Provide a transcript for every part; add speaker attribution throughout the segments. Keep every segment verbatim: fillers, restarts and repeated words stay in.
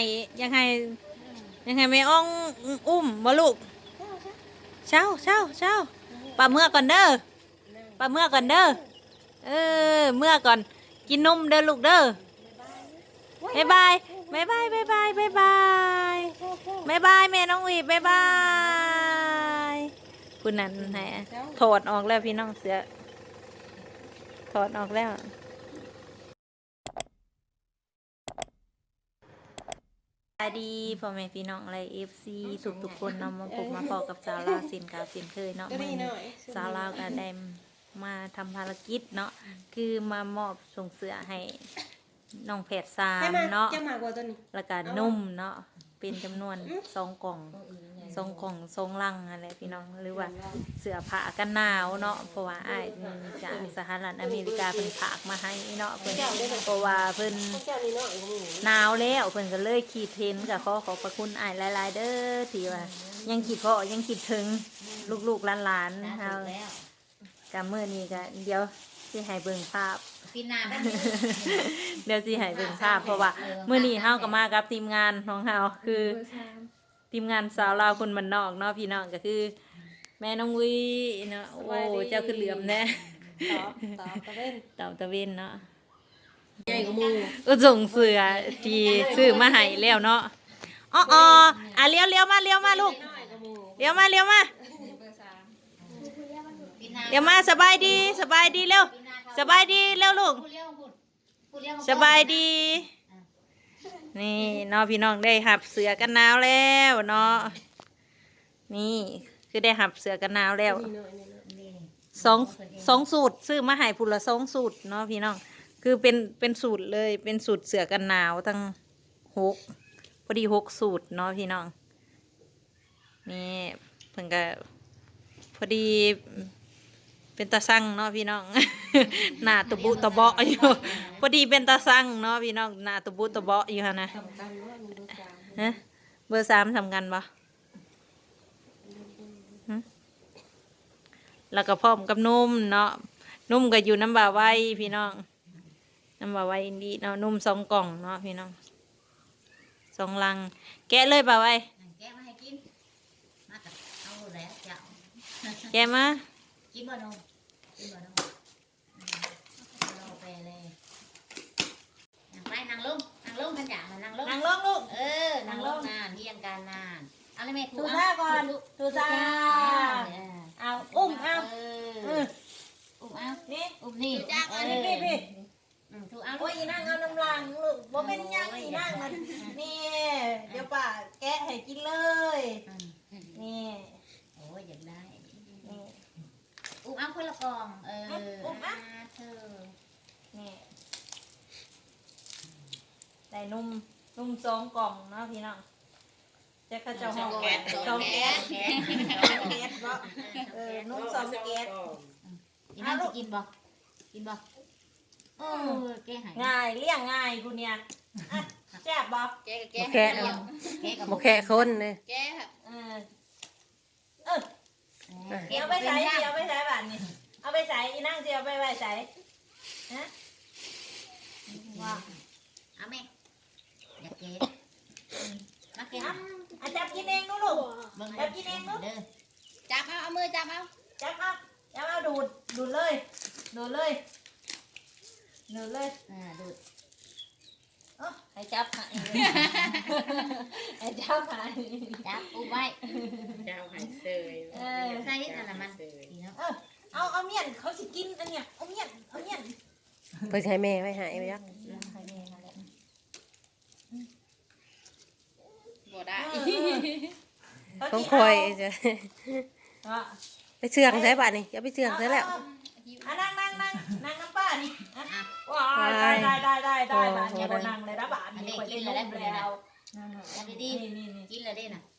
Speaker 1: ยังไงยังไงไม่อ้องอุ้มบ่ลูกเช้าเช้าเช้าปลาเมื่อก่อนเด้อปลาเมื่อก่อนเด้อเออเมื่อก่อนกินนมเด้อลูกเด้อบายบายบายบายบายบายบายบายบายบายแม่น้องวีบายบายคุณนั่นไหนถอดออกแล้วพี่น้องเสือถอดออกแล้วสวัสดีพ่อแม่พี่น้องอะไรเอฟซีทุกทุกคนนำมาพบมาพอกับสาวลาวสินกาวสินเคยเนาะเมื่อสาวลาวก็ได้มาทำภารกิจเนาะคือมามอบส่งเสือให้น้องแผดสามเนาะแล้วก็นุ่มเนาะเป็นจำนวนสองกล่องสองกล่องสองลังอะไรพี่น้องหรือว่าเสื้อผ้ากันหนาวเนาะเพราะว่าอ้ายจากสหรัฐอเมริกาเพิ่นฝากมาให้เนาะเพิ่นเพราะว่าเพิ่นหนาวแล้วเพิ่นก็เลยขีดเทนกับขอขอบพระคุณอ้ายหลายๆเด้อที่ว่ายังคิดเพาะยังคิดถึงลูกๆหลานๆเฮากับมื้อนี้ก็เดี๋ยวสิให้เบิ่งภาพ
Speaker 2: ปีนา
Speaker 1: เดี๋ยวสิให้เบิ่งภาพเพราะว่ามื้อนี้เฮาก็มากับทีมงานของเฮาคือทีมงานสาวลาวคนบ้านนอกเนาะพี่น้องก็คือแม่น้องวีเนาะโอ้เจ้าคือเหลือมแน่ตอบตอบตะเว้นตอบตะเว้นเนาะใหญ่กว่าหมู่ก็ส่งเสือที่ซื้อมาให้แล้วเนาะอ๋อๆอ่ะเลี้ยวเลี้ยวมาเลี้ยวมาลูกเลี้ยวมาเลี้ยวมาเดี๋ยวมาสบายดีสบายดีเร็วสบายดีเร็วลูกสบายดีนี่น้องพี่น้องได้หับเสือกันหนาวแล้วเนาะนี่คือได้หับเสือกันหนาวแล้วสองสองสูตรซื้อมาให้พุ่นละสองสูตรเนาะพี่น้องคือเป็นเป็นสูตรเลยเป็นสูตรเสือกันหนาวทั้งหกพอดีหกสูตรเนาะพี่น้องนี่เพิ่งก็พอดีเป็นตาสั่งเนาะพี่น้อง หน้าตะบุตะเบาะอยู่พอดีเป็นตาสั่งเนาะพี่น้องหน้าตะบุตะเบาะอยู่ฮะนะฮะเบอร์สามทำกันปะแล้วก็พร้อมกับนุ่มเนาะนุ่มก็อยู่น้ำบ่าไว้พี่น้องน้ำบ่าไว้อินดีเนาะนุ่มสองกล่องเนาะพี่น้องสองลังแกะเลยบ่าไว้
Speaker 2: แกะมาให้กินมากับเอาแล้วเจ้า
Speaker 1: แกะมา
Speaker 2: กินบ่นมกินบ่นมเราไปเลยนั่งไปนั่งลงนั่งลงกันอย่างนั่งลง
Speaker 1: นั่งลงลูก
Speaker 2: เออนั่งลงนานเที่ยงการนานเอาเลยแม่
Speaker 1: ทูซ่าก่อนทูซ่าเอาอุ้มเอา
Speaker 2: อุ้มเอา
Speaker 1: นี่
Speaker 2: อุ้มนี่
Speaker 1: จ้าอันนี้พี่พี่
Speaker 2: ถูกเอา
Speaker 1: โอ้ยนั่งเอาน้ำลังลูกบ่เป็นยังอีนั่งมันนี่เดี๋ยวป้าแกะให้กินเลยนี่
Speaker 2: โอ้ยอยากได้อุ้มเอาคนละกล่องเอออุ้มอ่ะเธอ
Speaker 1: นี่ได้นุ่มนุ่มสองกล่องเนาะพี่น้องจะกระเจ้าห้องแก๊สสองแก๊สแก๊สเนาะเออนุ่มสองแก๊ส
Speaker 2: อีนั่นจะกินบ่กินบ่เออแกหาย
Speaker 1: ง่ายเลี้ยงง่ายกูเนี่ยแซ่บบ่
Speaker 2: แกแก
Speaker 3: แค่บ่แค่คนเลย
Speaker 2: แก
Speaker 1: เออเออเดี๋ยวไปใส่เดี๋ยวไปใส่บ้านนี่เอาไปใส่อีนั่งเดี๋ยวไปไว้ใส่ฮะ
Speaker 2: ว่าเอาแม่อยากเกะมาเกะ
Speaker 1: อ่ะจับกินเองดูลูกจับกินเองดู
Speaker 2: จับเอาเอามือจับเอา
Speaker 1: จับเอาจับเอาดูดดูดเลยดูดเลยดูดเลย
Speaker 2: อ่าดูด
Speaker 1: อ๋อให้จับหายให้จับหาย
Speaker 2: จับอุ้มไว้
Speaker 3: จับหายเซย
Speaker 1: เออ
Speaker 2: ใส่อะไรมัน
Speaker 1: เออเอาเอาเมียนเขาสิกินอันเนี้ยเอาเมียนเอาเมียน
Speaker 3: ไปใช้แม่ไว้หายไปยัก
Speaker 2: บ่ได้
Speaker 3: ต้องคอยจะไปเชื่องใช่ป่ะนี่อย่าไปเชื่องใช่แล้ว
Speaker 1: นั่งนั่งนั่งนั่งน้ำป้านี่ว้าวได้ได้ได้ได้ได้บ้านเนี่ยบนนั่งเลยนะบ้านนี่คนกินเลยได้แล้ว
Speaker 2: นั่งดีๆกินเลยได้น่ะ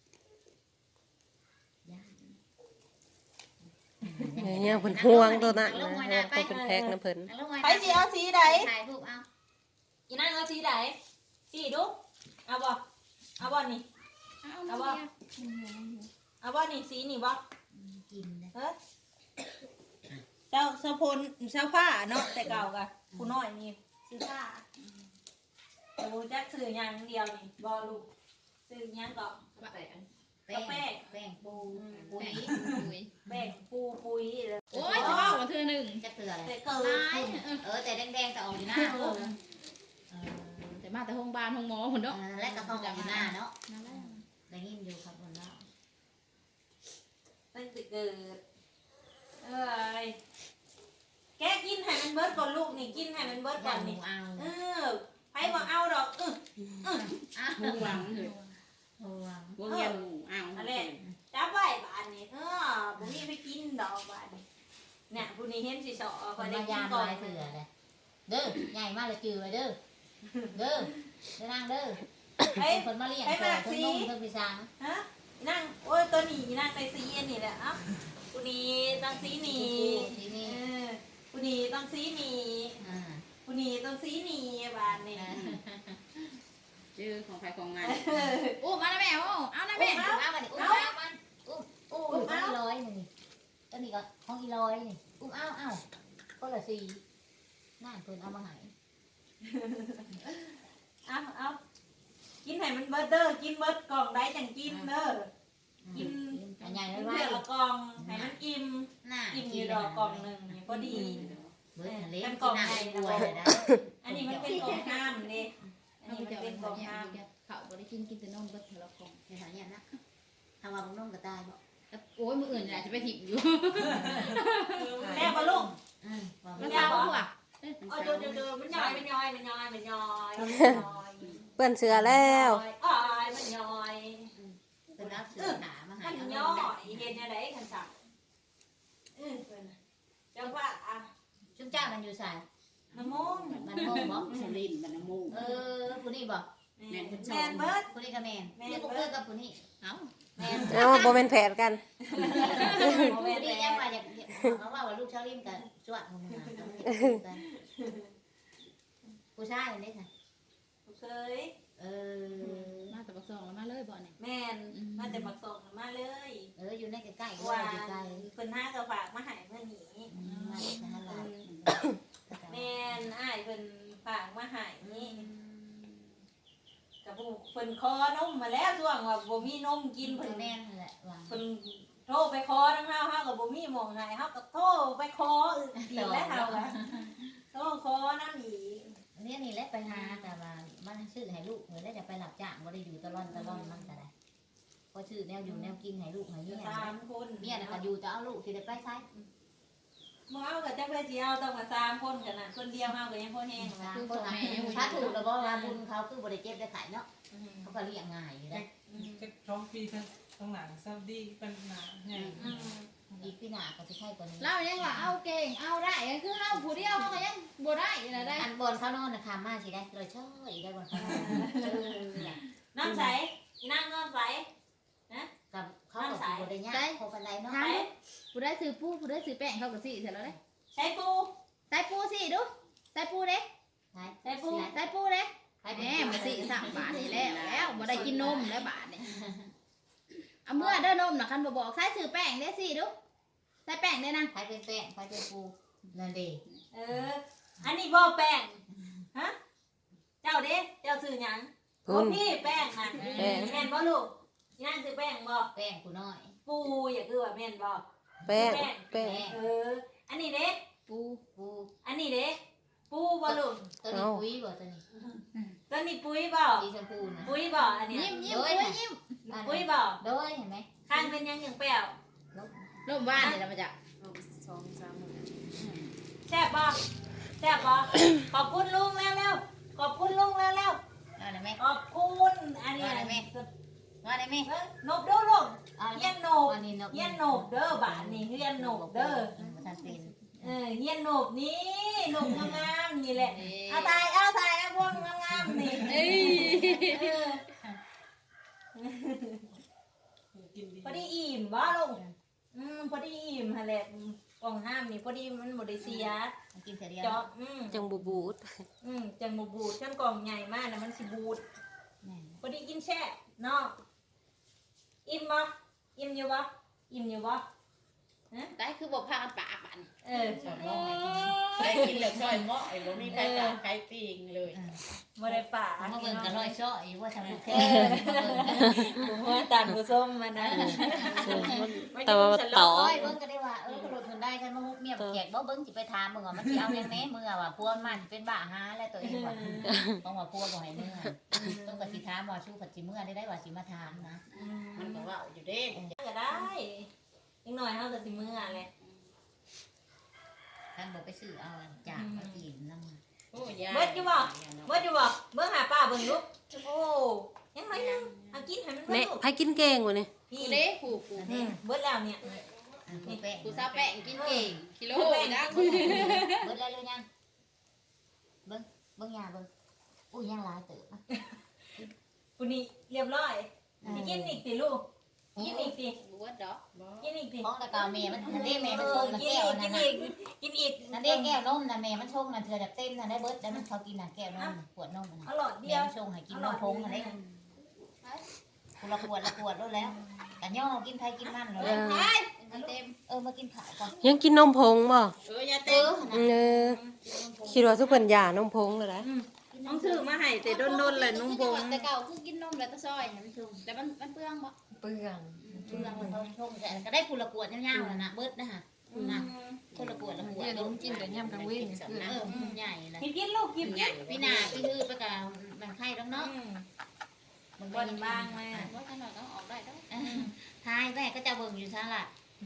Speaker 3: เนี่ยเพิ่นห่วงตัวนั้นนะตัวเป็นแพ็กนะเพิ่น
Speaker 1: ไปสีเอาสีไหนถ่ายรูปเอาอีนั่งเอาสีไหนสีดูเอาบ่เอาบ่นี่เอาบ่เอาบ่นี่สีนี่บ่
Speaker 2: กิน
Speaker 1: เฮ้ยเจ้าเจ้าพลเจ้าผ้าเนาะแต่เก่ากะผู้น้อยนี่ซื้อผ้าโอ้จักซื้อหยังเดียวนี่บ่ลูกซื้อหยังก็
Speaker 2: แป้ง
Speaker 1: แป้ง
Speaker 2: แป้งปูปุ๋ย
Speaker 1: แป้งปูปุยเลย
Speaker 4: โอ้ยจะว่าวันเธอหนึ่ง
Speaker 2: จะเกลืออะไร
Speaker 1: แต่เกิ
Speaker 4: ตาย
Speaker 1: ด
Speaker 2: เออแต่แดงๆแต่ออกอยู่หน้าเออ
Speaker 4: แต่มาแต่ห้องบ้านห้องหมอคนเนาะ
Speaker 2: และกระเพาะออกอยู่หน้าเนาะ
Speaker 4: นั่นแหละ
Speaker 2: ได้ยินอยู่ครับคนเนาะ
Speaker 1: ตั้งแต่เกิดเอ้ยแกกินให้มันเบิดก่อนลูกนี่กินให้มันเบิดก่
Speaker 2: ย่า
Speaker 1: อน
Speaker 2: หมู
Speaker 1: นี่
Speaker 2: เอา
Speaker 1: เออไผบ่เอาดอกเออ
Speaker 2: อ่ะ
Speaker 5: หมูหวังเถอะ
Speaker 2: หัว
Speaker 5: พวกเงี้ยหมูอ้าว
Speaker 1: อะไรจับไว้บานนี่เออบ่มีไปกินดอกบานนี่เนี่ยผู้นี้เห็นสิสอ
Speaker 2: ค
Speaker 1: พอน ได้
Speaker 2: มา
Speaker 1: กิน
Speaker 2: ยาม
Speaker 1: ก่อน
Speaker 2: ลายเสือเลยเด้อใหญ่มากเลยจือไว้เด้อเด้อเด้อนางเด้อ
Speaker 1: เฮ้ย
Speaker 2: คนมาเลี้ยงเธอเธอนุ่มเธอพิซัง
Speaker 1: ฮะนั่งโอ้ยตัวนี้นั่งไปซีอันนี่แหละเอ้าผู้นี้ต้องซีนี่
Speaker 2: ที
Speaker 1: เอ
Speaker 2: นี้
Speaker 1: อผู้นี้ต้องซีนี่
Speaker 2: อ่า
Speaker 1: ผู้นี้ต้องซีนี่บานนี่
Speaker 5: ชื่อของใครของมัน
Speaker 4: อู้มาแล้วแม่โอ้เอานะ
Speaker 2: แม่
Speaker 4: แม่
Speaker 2: เอามันอุ้มเอามันอุ้มอุ้มของอีร้อยนี่ก็นี่ก็ของอีร้อยนี่อุ้มเอาเอาก็ละสี่น่าเพิ่นเอามาหาย
Speaker 1: เอาเอากินให้มันเบิดเด้อกินเบิดกล่องได้จังกินเด้อกิน
Speaker 2: อันใหญ่
Speaker 1: กิ
Speaker 2: ไว้
Speaker 1: น
Speaker 2: ไว้
Speaker 1: เพื่อละกล่องให้มันอิ่ม
Speaker 2: หน้า
Speaker 1: อิ่มอยู่ดอกกล่องหนึ่งนี่พอดี
Speaker 2: เบิดทะเลกินน้ำด้วยเลยนะ
Speaker 1: อันนี้มันเป็นกล่องห้ามนี่อันนี้มันเป็นกล่องห้าม
Speaker 4: เขาบริกินกินแต่นมก็เทละคง
Speaker 2: ในฐานะนะทำมาบุ้งนุ่มก็ตายบ่
Speaker 4: โอ้ยมืออื่นอาจจะไปถิ่มอยู่
Speaker 1: แม่บ่ลูก
Speaker 2: อืม
Speaker 4: มันยาวกว่า
Speaker 1: อ๋อเดี๋ยวเดี๋ยวเดี๋ยวมันย่อยมันย่อยมันย่อยมันย่อยมันย่อย
Speaker 3: เปื้อนเสือแล้ว
Speaker 1: อ้อยมันย่อย
Speaker 2: เป็นรับเสือหามาหา
Speaker 1: มัน
Speaker 2: เอา
Speaker 1: ย่อยเห็นอะไรคันสั่งอือเจ้าว่าอ่ะ
Speaker 2: ชุบเจ้ามันอยู่ใส่
Speaker 1: น้ำมง
Speaker 2: มันโม่บ่
Speaker 5: สลินมันน้ำมูก
Speaker 2: เออผู้นี้บ่
Speaker 1: แมนเบิร์ด
Speaker 2: ผู้นี้กับแมนนี่พวกเพื่อนกับผู้นี้
Speaker 4: เอ้า
Speaker 2: แมน
Speaker 3: เอาบ่เป็นแผนกัน
Speaker 2: ผู้นี้ยังว่าอยากเขาว่าว่าลูกชาวลิมกับสวัสดิ์มึงนะผู้ชายนี่ค่ะ
Speaker 1: เคย
Speaker 2: เออ
Speaker 4: มาแต่บักซองแล้วมาเลยบ่เนี่ย
Speaker 1: แมนมาแต่บักส่งมาเลย
Speaker 2: เอออยู่ในใกล้ๆ
Speaker 1: ว่า
Speaker 2: อยู่ใกล้
Speaker 1: เพิ่นห้ากระฝากมาหายเมื่อนี้
Speaker 2: มาจากทหารลาว
Speaker 1: แมนอ้ายเพิ่นฝากมาหายนี่กับผู้เพิ่นคอนมมาแล้วช่วงว่าบ่มีนมกิน
Speaker 2: เพิ่
Speaker 1: เพิ่
Speaker 2: น
Speaker 1: น
Speaker 2: แม่นแหละว่า
Speaker 1: เพิ่นโทรไปขอทั้งเฮาเฮาก็บ่มีหม่องให้เฮาก็โทรไปขออีกแล้วเฮาก็โทรขอนำอีก
Speaker 2: เนี่ยนี่แหละไปหาแต่ว่ามันซื้อให้ลูกเหมือนได้จะไปหลับจ้างบ่ได้อยู่ตลอดตลอดมันก็ได้ก็ซื้อแนวอยู่แนวกินให้ลูกให้เมีย
Speaker 1: สามคน
Speaker 2: เมียน่ะก็อยู่จะเอาลูกสิได้ไปไส
Speaker 1: บ่เอาก็จักไปสิเอาต้องมาสามคนกันน่ะคนเดียวเฮาก็ยังพอแห้ง
Speaker 2: สา
Speaker 1: นะ
Speaker 2: มคนน่ะถ้าถูกแล้วบ่ว่าบุญเขาคือบ่ได้เจ็บได้ไข้เนาะเขาก็เลี้ยงง่ายอยู่ได้
Speaker 6: จะท้องปีทั้งทั้งหนังซาดีเป็นหนาใหญ่
Speaker 1: อืม
Speaker 2: อีกพี่หน้าก็สิใช่กว่านี้
Speaker 4: เรายังว่าเอาเก่งเอาได้ยังคือเอาผู้เดียวเขายังบ่ได้อะไรได้
Speaker 2: อันบนเขานอนน่ะคามาสิได้เลยช่อยได้บนเขานอนเออเนี่ย
Speaker 1: น้ำใสอีนั่งน้ำใส
Speaker 2: กับเขาก็สิบ่ได้ยากพอปานใดเนาะ
Speaker 1: ใส
Speaker 4: ผู้ได้ซื้อปูผู้ได้ซื้อแป้งเขาก็สิเสร็จแล้วเลย
Speaker 1: ใช้ปู
Speaker 4: ใส่ปูสิดูใส่ปูเด้
Speaker 2: ใช่
Speaker 1: ใส่ปู
Speaker 4: ใส่ปูเด้
Speaker 2: ใช่
Speaker 4: แหมมาสิสามบาทนี่แล้วแล้วบ่ได้กินนมแล้วบาทนี่เอาเมื่อเด้อนมน่ะคันบ่บอกใส่ซื้อแป้งได้สิดูใส่แป้งได้นะ
Speaker 2: ใครเป็นแป้งใครเป็นปูนั่นเด้
Speaker 1: เออ อันนี้บ่แป้ง ฮะ เจ้าเด้เจ้าซื้อหยัง
Speaker 3: คุณ
Speaker 1: พี่แป้งน่ะ
Speaker 3: แป้ง
Speaker 1: แม่นบ่ลูกอีนั่งซื้อแป้งบ่
Speaker 2: แป้งกูน้อย
Speaker 1: ปูอย่าคือว่าแม่นบ่
Speaker 3: แป้งแป้ง
Speaker 1: เออ อันนี้เด้
Speaker 4: ปู
Speaker 2: ปู
Speaker 1: อันนี้เด้ปูบ่ลูก
Speaker 2: ตัวนี้ปุ๋ยบ่ตัวนี้
Speaker 1: ตัวนี้ปุ๋ยบ่
Speaker 2: สีชมพูนะ
Speaker 1: ปุ๋ยบ่อันเนี้ย
Speaker 4: ยิ้มยิ้มปูยิ้ม
Speaker 1: ปุ๋ยบ่
Speaker 2: โดยเห็นไหม
Speaker 1: ข้างเป็นหยังอย่างเปรี้ยว
Speaker 4: ลมบ้านนี่ละมาจาก
Speaker 5: สองสามหมื่น
Speaker 1: แซ่บบ่แซ่บบ่ขอบคุณลุงแล้วแล้วขอบคุณลุงแล้วแล้ว
Speaker 2: เอาได้ไหม
Speaker 1: ขอบคุณอันนี้
Speaker 2: ว่าได้ไหม ว่าได้ไหม
Speaker 1: เอ้ยนบเด้อลูก
Speaker 2: เอา
Speaker 1: เฮียนโนบ
Speaker 2: อันนี้นก
Speaker 1: เฮียนโนบเด้อบาทนี่เฮียนโนบเด้อ
Speaker 2: ท่านเป็น
Speaker 1: เออเฮียนโนบนี่โนบงามๆนี่แหละเอาตายเอาตายเอาพวกงามๆนี่
Speaker 4: เอ้ย
Speaker 1: เออ
Speaker 6: กินดี
Speaker 1: พอดีอิ่มบ่ลุงอืมพอดีอิ่มหั่นแหละกล่องห้ามนี่พอดีมันบ่ได้เสีย
Speaker 2: กินเสร็จแล้ว
Speaker 1: เจาะอืม
Speaker 3: จังบูบูด
Speaker 1: อืมจังบ่บูดจังกล่องใหญ่มากนะมันสิบูด
Speaker 2: แม่
Speaker 1: พอดีกินแช่เนาะอิ่มบ่อิ่มอยู่บ่อิ่มอยู่บ่
Speaker 4: ได้คือบ่พากันปากบัด
Speaker 1: เออ
Speaker 5: สอนน้องได้กินแล้วช่อยเหมาะไอ้บ่มีใครตามใครปิงเลย
Speaker 1: บ่ได้ป่า
Speaker 2: มาเบิ่งกันร้อยซ้อยว่าทำบุญ
Speaker 1: เออผมว่าตานผู้ส้มมานะ
Speaker 3: แต่ว่าต่อ
Speaker 2: โอ้ยเบิ่งก็ได้ว่าเออกระโดดมันได้กันมาฮุบเมียแจกบ่เบิ่งสิไปถามมึงว่ามันสิเอาแน่แน่มือว่าพวมันเป็นบ้าหาแล้วตัวเองว่าต้องว่าพวบ่ให้มือต้องก็สิถามว่าชูผัดสิมือได้ได้ว่าสิมาถามนะ
Speaker 5: มันก็ว่าอยู่เด้
Speaker 1: ก็ได้อีกหน่อยเฮาก็สิมื้อแหละ
Speaker 2: ท่านบอกไปซื้อเอาจากมากินน้ำ
Speaker 5: โอ้ยาย
Speaker 1: เบิดอยู่บ่เบิดอยู่บ่เบิ่งหาป้าเบิ่งลูกโอ้ยังน้อยนึงเอากินให้มันเบิด
Speaker 3: เนี่ย
Speaker 1: ลูก
Speaker 3: ไผกินเก่งวะนี่
Speaker 1: พี่
Speaker 4: กูเด้ผูกผูก
Speaker 1: อืมเบิดแล้วเนี่ย
Speaker 2: ผู้แป้ง
Speaker 4: กูซาแป้งกินเก่งกิโลนะ
Speaker 2: เบิ้งแล้วเลยยังเบิ้งเบิ้งยาเบิ้งอุ้ยยังหลายเติบ
Speaker 1: ผู้นี้เรียบร้อยสิกินอีกสิลูกกินอีกสิ
Speaker 4: กูว่าดอก
Speaker 1: กินอีกสิ
Speaker 2: ของตะกาวเมย์มันนั่นเด้เมย์มัน
Speaker 1: เอ
Speaker 2: ช
Speaker 1: อง
Speaker 2: นะ
Speaker 1: กิน
Speaker 2: แก้ว
Speaker 1: อีก
Speaker 2: นั่
Speaker 1: กิ
Speaker 2: น
Speaker 1: น
Speaker 2: น่ะ
Speaker 1: อีกกินอีก
Speaker 2: นั่นเด้แก้วนมน่ะเมย์มันชงน่ะเธอแบบเต็มน่ะได้เบิดแล้วมันเขากินน่ะแก้วนมขวดนมน่ะ
Speaker 1: เอาหลอด
Speaker 2: เม
Speaker 1: เดียว
Speaker 2: ย์มันชงให้กินนมพงอะไรคนละขวดละขวดแล้วแล้วกันย่อกินไทยกินมันแล้ว
Speaker 4: ไปมันเต็ม
Speaker 2: เออมากินข้าวก่อน
Speaker 3: ยังกินนมผงบ่
Speaker 5: เออยา
Speaker 2: เอ
Speaker 5: เต้น
Speaker 2: อ
Speaker 3: เออคิดว่าทุกคนหย่านมผงเลยนะ
Speaker 1: ต้องซื้อมาให้แต่โดนๆเลยนุ่มพง
Speaker 4: แต่เก่าคือกินนมแล้วตะซอยให้มันชงแต่มันมันเปลืองบ่
Speaker 3: เปลือง
Speaker 2: เพื่อนมันเขาชงแต่ก็ได้คนละขวดยาวๆแล้วนะเบิดนะฮะนะคนละขวดละขวด
Speaker 3: เนี่ยนมกินแต่ย่ำกลางเว้น
Speaker 2: เออใหญ่เลย
Speaker 1: กินกินลูกกินกิน
Speaker 2: พี่นาพี่ฮือไปกับมันไข่แล้วเนาะ
Speaker 1: มันบนบ้างไหม
Speaker 4: ว่าขนาดต้องออกได้ต้อง
Speaker 2: ทายแม่ก็จะเบิ่งอยู่ซะล่ะ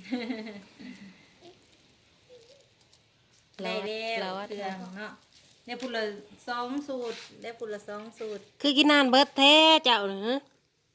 Speaker 1: ได้แล้วเครื่องเนาะได้พูดละสองสูตรได้พูดละสองสูตร
Speaker 3: คือกินนานเบิดแท้เจ้าเนอะ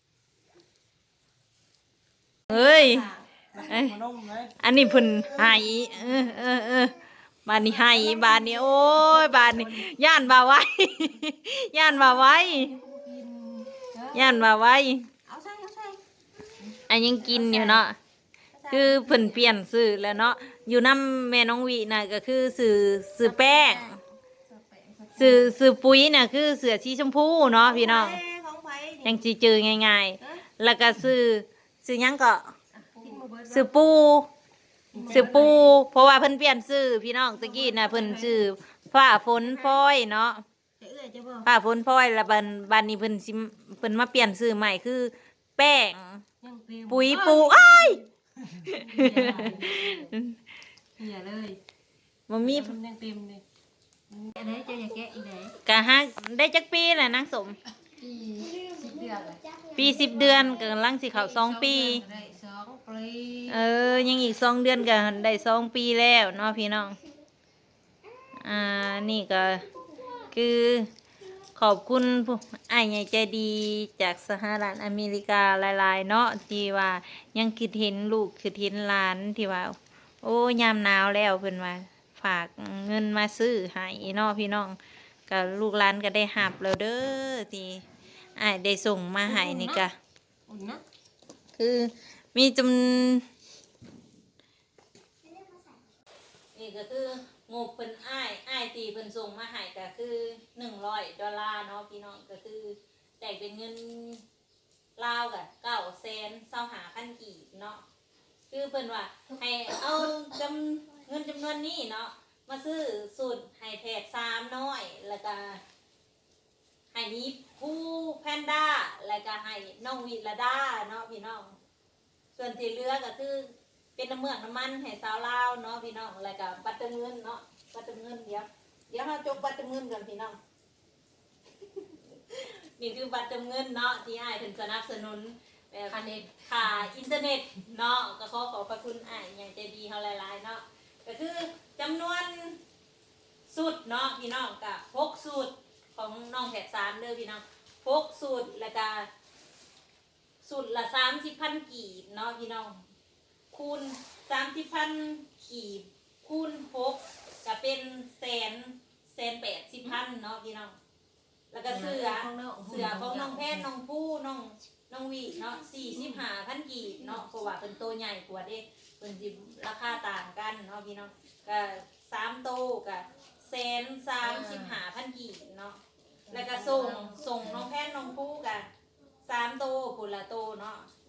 Speaker 1: เฮ้ย
Speaker 6: ขนมเลย
Speaker 1: อันนี้เพุ่นหายเออเออเออบานนี้หายบานนี้โอ้ยบานนี้ย่านบ่าไว้ ย่านบ่าไว้ย่านบ่าไว้
Speaker 3: เอาใส่เอาใส่
Speaker 1: อันยังกินอยู่เนาะคือเพิ่นเปลี่ยนสื่อแล้วเนาะอยู่น้ำแม่น้องวีน่ะก็คือสื่อสื่อแป้งสื่อสื่อปุ๋ยน่ะคือเสือชีชมพูเนาะพี่น้องยังสิเจอง่ายๆแล้วก็สื่อสื่อหยังก็สื่อปูสื่อปูเพราะว่าเพิ่นเปลี่ยนสื่อพี่น้องตะกี้น่ะเพิ่นสื่อฟ้าฝนฟอยเนาะฟ้าฝนฟอยแล้วบัดบัดนี้เพิ่นสิเพิ่นมาเปลี่ยนสื่อใหม่คือแป้งปุ๋ยปูอ้าย
Speaker 3: เหี่ยเลย
Speaker 1: มันมี
Speaker 3: มันยังเต็มเลย
Speaker 2: อะไรเจ้าอย่าแกะอีกเลย
Speaker 1: กะฮักได้จักปีแหละนางสม
Speaker 2: สิบเดือน
Speaker 1: ปีสิบเดือนกำลังสิเข้าสองปี
Speaker 3: ได้สองปี
Speaker 1: เออ ยังอีกสองเดือนก็ได้สองปีแล้วเนาะพี่น้อง อ่า นี่ก็คือขอบคุณผู้อ้ายใหญ่ใจดีจากสหรัฐอเมริกาหลายๆเนาะที่ว่ายังคิดเห็นลูกคิดเห็นหลานที่ว่า โอ้ยามหนาวแล้วเพิ่นว่าฝากเงินมาซื้อให้เนาะพี่น้องก็ลูกหลานก็ได้หับแล้วเด้อที่อ้ายได้ส่งมาให้นี่ก็
Speaker 3: อุ่นนะ
Speaker 1: คือมีจำนี่ก็คืองบเพิ่นอ้ายอ้ายตีเพิ่นส่งมาให้ก็คือหนึ่งร้อยดอลลาร์เนาะพี่น้องก็คือแตกเป็นเงินลาวกับเก้าแสนเศร้าหาพันกีบเนาะคือเพิ่นว่าให้เอาจำเงินจำนวนนี้เนาะมาซื้อสูตรให้แพทย์สามน้อยแล้วก็ให้นี้ผู้แพนด้าแล้วก็ให้น้องวิลดาเนาะพี่น้องส่วนที่เหลือก็คือเป็นน้ำเมืองน้ำมันให้สาวลาวเนาะพี่น้องแล้วก็บัตรเติมเงินเนาะบัตรเติมเงินเดี๋ยวเดี๋ยวเราจบบัตรเติมเงินก่อนพี่น้อง นี่คือบัตรเติมเงินเนาะที่อ้ายเพิ่นสนับสนุนแบบค่าอินเทอร์เน็ตเนาะก็ขอขอบพระคุณอ้ายอย่างใจดีเฮาหลายๆเนาะก็คือจำนวนสูตรเนาะพี่น้องกับหกสูตรของน้องแถบสามเด้อพี่น้องหกสูตรแล้วก็สูตรละสามสิบพันกีบเนาะพี่น้องคูณสามสิบพันกีบคูณหกก็เป็นแสนแสนแปดสิบพันเนาะพี่น้องแล้วก็เสือเสือของน้องแพทย์น้องผู้น้องน้องวีเนาะสี่สิบห้าพันกีบเนาะเพราะว่าเป็นตัวใหญ่กว่าเด้เป็นจิราคาต่างกันเนาะพี่น้องก็สามโตกับแสนสามสิบห้าพันกีบเนาะแล้วก็ส่งส่งน้องแพทย์น้องผู้กันสามโตปุละโตเนาะ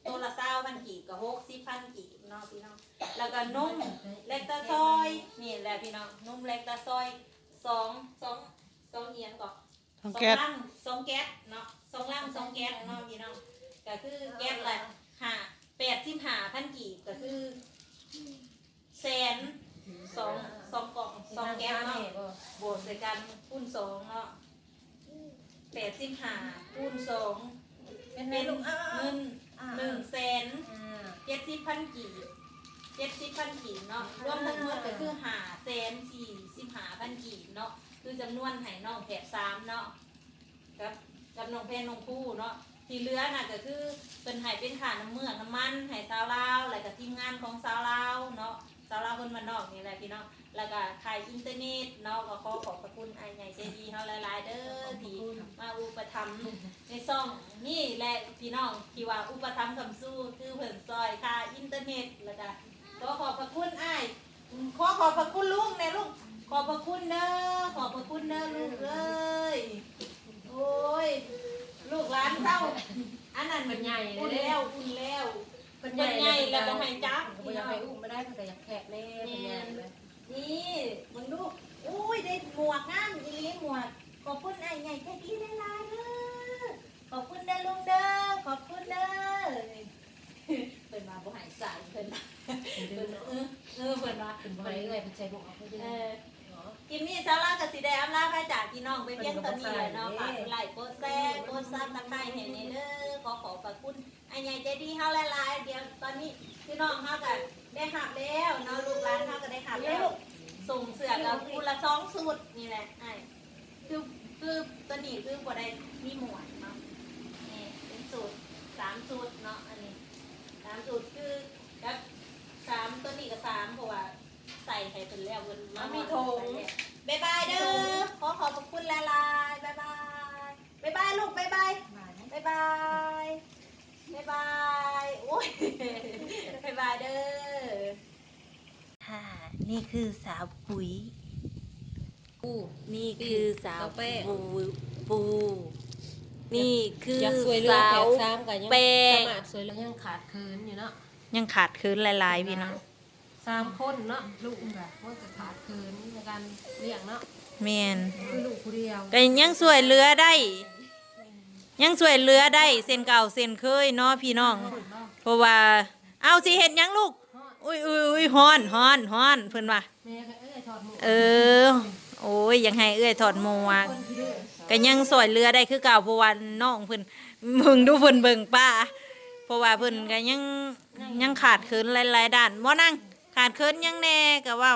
Speaker 1: ตัวละเศร้าพันกีบกับหกสิบพันกีบเนาะพี่น้องแล้วก็นุ่มเล็กตาซอยนี่แหละพี่น้องนุ่มเล็กตาซอยสองสองสองเอียนก่อน
Speaker 3: ทองแก๊ส
Speaker 1: ลังสองแก๊สเนาะสองลังสองแก๊สเนาะพี่น้องก็คือแก๊สละห้าแปดสิบห้าพันกีบก็คือแสนสองสองกล่องสองแก๊สเนาะบวกใส่กันคูณสองเนาะแปดสิบห้าคูณสองเป็นเงินหนึ่งแสนเจ็ดสิบพันกีบเจ็ดสิบพันกีบเนาะรวมทั้งหมดก็คือห้าแสนสี่สิบห้าพันกีบเนาะคือจำนวนไห้น้องแผดสามเนาะกับกับน้องเพนน้องผู้เนาะที่เหลือน่ะก็คือเป็นไห้เป็นขาน้ำเมือกน้ำมันไห้สาวลาวอะไรกับทีมงานของสาวลาวเนาะสาวลาวคนมันนอกนี่แหละพี่น้องแล้วก็ขายอินเทอร์เน็ตเนาะก็ขอขอบพระคุณไอ้ใหญ่ใจดีเฮาหลายๆเด้อที่มาอุปถัมภ์ในซ่องนี่แหละพี่น้องที่ว่าอุปถัมภ์คำสู้คือเพิ่นซอยค่าอินเทอร์เน็ตแล้วก็ขอขอบพระคุณไอ้ขอขอบพระคุณลุงแน่ลุงขอบพระคุณเด้อขอบพระคุณเด้อลูกเอ้ยโอ้ยลูกหลานเศร้าอันนั้นมันใหญ่อุ่นแล้วอุ่นแล้วมันใหญ่แล้วก็ให้จับ
Speaker 3: บ่อยากให้อุ้มไม่ได้เพิ่นก็อยากแขกแน่เพิ่นใหญ่เลย
Speaker 1: นี่มึงดูอุ้ยได้หมวกงามอีหลีหมวกขอบคุณไอ้ใหญ่ใจดีได้หลายเด้อขอบคุณเด้อลุงเด้อขอบคุณเด้อเพิ่นมาบ่ให้ใส่เพิ่นเพิ่นเออเออเพิ่นว่า
Speaker 3: เพิ่นบ่ให้เอ้ยเพิ่นใช้บ่เอาเพิ่น
Speaker 1: เออกินนี่สาระกับสีแดงอำลาพระจากพี่น้องไปเพียงตอนนี้เลยเนาะฝากไลค์กดแชร์กดซับตะไคร้เห็นเด้อขอขอบพระคุณไอ้ใหญ่ใจดีเฮาหลายๆเดี๋ยวตอนนี้พี่น้องเฮาก็ได้หับแล้วเนาะลูกหลานเฮาก็ได้หับแล้วส่งเสื้อกับคูละสองสูตรนี่แหละไอ้คือคือตอนนี้คือบ่ได้มีหมวดเนาะนี่เป็นสูตรสามสูตรเนาะอันนี้สามสูตรคือกับสามตัวนี้กับสามเพราะว่าใส่ให้เป็นแล้วเพิ่นมามีธงบ๊ายบายเด้อขอขอบพระคุณหลายๆบ๊ายบายบ๊ายบายลูกบ๊ายบายบ๊ายบายบ๊ายบายโอ้ยบ๊ายบายเด้อค่ะนี่คือสาวปุ๋ยปูนี่คือสาวปูปูนี่คือ
Speaker 3: อยากสวยเรือ
Speaker 1: สา
Speaker 3: แป
Speaker 1: ว
Speaker 3: ดสามก็ยัง
Speaker 1: แป้ง
Speaker 3: สามารถสวยเรือยังขาดเคินอยู่เนาะ
Speaker 1: ยังขาดคืนหลายๆพี่น้อง
Speaker 3: สามคนเนาะลูกแบบว่าจะขาดเคินในการเลี้ยงเนาะ
Speaker 1: แมน
Speaker 3: คือลูกผู้เดียว
Speaker 1: ก็ยังสวยเรือได้ ยังสวยเรือได้เส้นเก่าเส้นเคยเนาะพี่น้อง เพราะว่าเอาสิเห็นยังลูกอุ้ยอุ้ยอุ้ยฮ้อนฮ้อนฮ้อนเพิ่นว่า
Speaker 3: แม่ก็เอ้ยถอดหมวก
Speaker 1: เออโอ้ยยังให้เอื้อยถอดหมวก
Speaker 3: คนที่ดื้อ
Speaker 1: ก็ยังสวยเรือได้คือเก่าเพราะว่าน้องเพิ่นมึงดูเพิ่นเบิ่งป้าเพราะว่าเพิ่นก็ยังยังขาดเคินหลายๆด้านบ่นั่งขาดเคินยังแน่ก็เว้า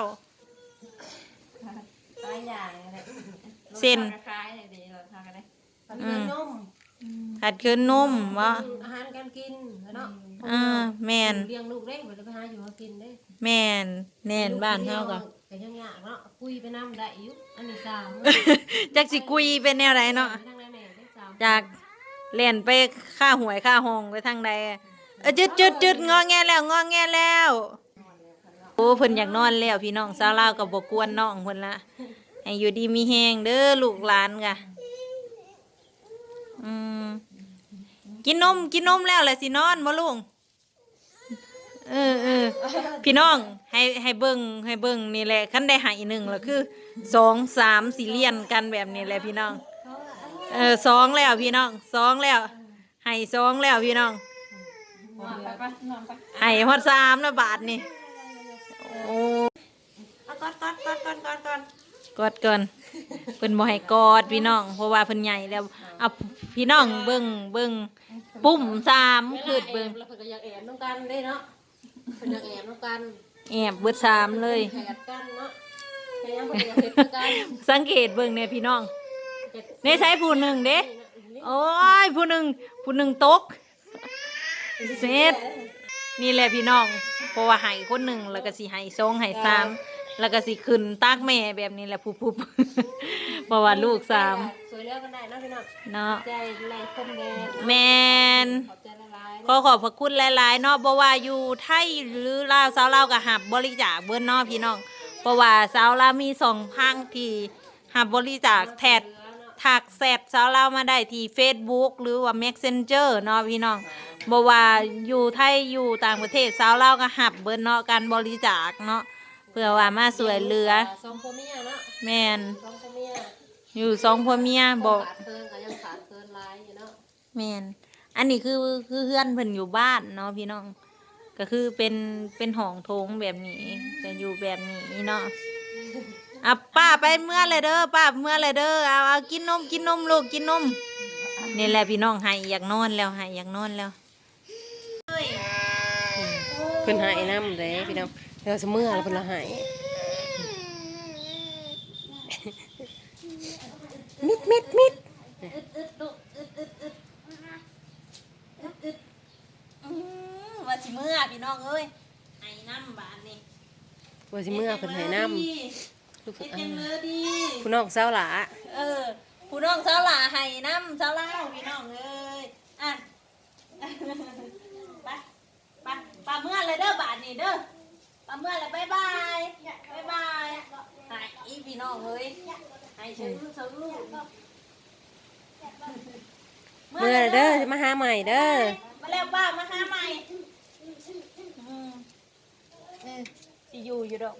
Speaker 3: หลายอย่างเลย
Speaker 1: เส้น
Speaker 4: คล้ายๆดีเราทำกันได้
Speaker 3: ขาดเคินนม
Speaker 1: ขาดเคินนมบ่
Speaker 3: อาหารการกินเนาะ
Speaker 1: อ่าแม่น
Speaker 3: เลี้ยงลูกได้บ่ได้ไปหาอยู่หากินเด้
Speaker 1: แม่นแน่นบ้านเฮาก็
Speaker 3: ก็ยังยากเนาะคุยไปนำได้อยู่อันนี้สาม
Speaker 1: จักสิคุยเป็นแนวใดเนาะ
Speaker 3: ทางใดแม่ได้สาม
Speaker 1: จากเล่นไปค่าหวยค่าห้องไปทางใดเออจุดจุดจุดงอแงแล้วงอแงแล้วโอ้เพิ่นอยากนอนแล้วพี่น้องสาวลาวก็บ่กวนน้องเพิ่นละให้อยู่ดีมีแฮงเด้อลูกหลานกะอืมกินนมกินนมแล้วแหละสินอนบ่ลุงเออเออพี่น้องให้ให้เบิ่งให้เบิ่งนี่แหละคันได้ให้หนึ่งแล้วคือสองสามสี่เลียนกันแบบนี้แหละพี่น้องเออสองแล้วพี่น้องสองแล้วให้สองแล้วพี่น้องให้ฮอดสามแล้วบาทนี่โอ้กอดกอดกอดกอดกอดกอดกอดก่อนเพิ่นบ่ให้กอดพี่น้องเพราะว่าเพิ่นใหญ่แล้วเอาพี่น้องเบิ่งเบิ่งปุ่มสามคือเบิ่ง
Speaker 3: แล้วเพิ่นก็อยากแอบน้ำกันได้เนาะเพิ่นอยากแอบน้ำกัน
Speaker 1: แอบเบิดสามเลย
Speaker 3: แอบกันเนาะแค่ยังเพิ่นอยากเฮ็ดคือกัน
Speaker 1: สังเกตเบิ่งเนี่ยพี่น้องในใช้ผู้หนึ่งเด้โอ้ยผู้หนึ่งผู้หนึ่งตกเสร็จนี่แหละพี่น้องเพราะว่าใหายคนหนึ่งแล้วก็สิใหายสองใหายสามแล้วก็สิขึ้นตากแม่แบบนี้แหละผู้ๆ เพราะว่าลูกสาม
Speaker 3: สวยแล้วกันได้เนาะพี่น้อง
Speaker 1: เนาะ
Speaker 3: ใจหลายคนแม่
Speaker 1: แมน
Speaker 3: ขอบใจหลายๆ
Speaker 1: ขอขอบพระคุณหลายๆเนาะบ่ว่าอยู่ไทยหรือลาวสาวลาวก็หับบริจาคเบิ่นเนาะพี่น้องเพราะว่าสาวลาวมีสองพังที่หับบริจาคแทดถักแซดสาวลาวมาได้ที่ Facebook หรือว่า Messenger เนาะพี่น้องบ่ว่าอยู่ไทยอยู่ต่างประเทศสาวลาวก็หับเบิดเนาะการบริจาคเนาะเพื่อว่ามาช่วยเหลือ
Speaker 3: สองพ่อเมียเนาะ
Speaker 1: แม่น
Speaker 3: สองพ่อเมีย
Speaker 1: อยู่สองผัวเมียบ่
Speaker 3: ขาดเคินก็ยังขาดเคินหลายอยู่เนาะ
Speaker 1: แม่นอันนี้คือคือเพื่อนเพิ่นอยู่บ้านเนาะพี่น้องก็คือเป็นเป็นห้องโถงแบบนี้จะอยู่แบบนี้เนาะอ่ะป้าไปเมื่อเลยเด้อป้าเมื่อเลยเด้อเอาเอากินนมกินนมลูกกินนมนี่แหละพี่น้องให้อยากนอนแล้วให้อยากนอนแล้ว
Speaker 3: เพิ่นหายน้ำเลยพี่น้องเราจะเมื่อแล้วเพิ่นละหายมิดมิดมิด
Speaker 1: ว่าสิเมื่อพี่น้องเอ้ยให้น้ำบานนี่
Speaker 3: ว่าสิเมื่อเพิ่นหายน้ำลูก
Speaker 1: เฮ็ด
Speaker 3: อ่า
Speaker 1: จังเลยดี
Speaker 3: ผู้น้องสาวหลา
Speaker 1: เออผู้น้องสาวหลาให้น้ำสาวลาวพี่น้องเอ้ยอ่ะ ไปไปปลาเมื่อเลยเด้อบาทนี่เด้อปลาเมื่อเลยบายบายบายบายหายอีพี่น้องเอ้ยให้เชิญลูกเชิญลูก
Speaker 3: เมื่อเด้อจะมาหาใหม่เด้อ
Speaker 1: มาแล้วป้ามาหาใหม่อืมเออสิอยู่อยู่ดอก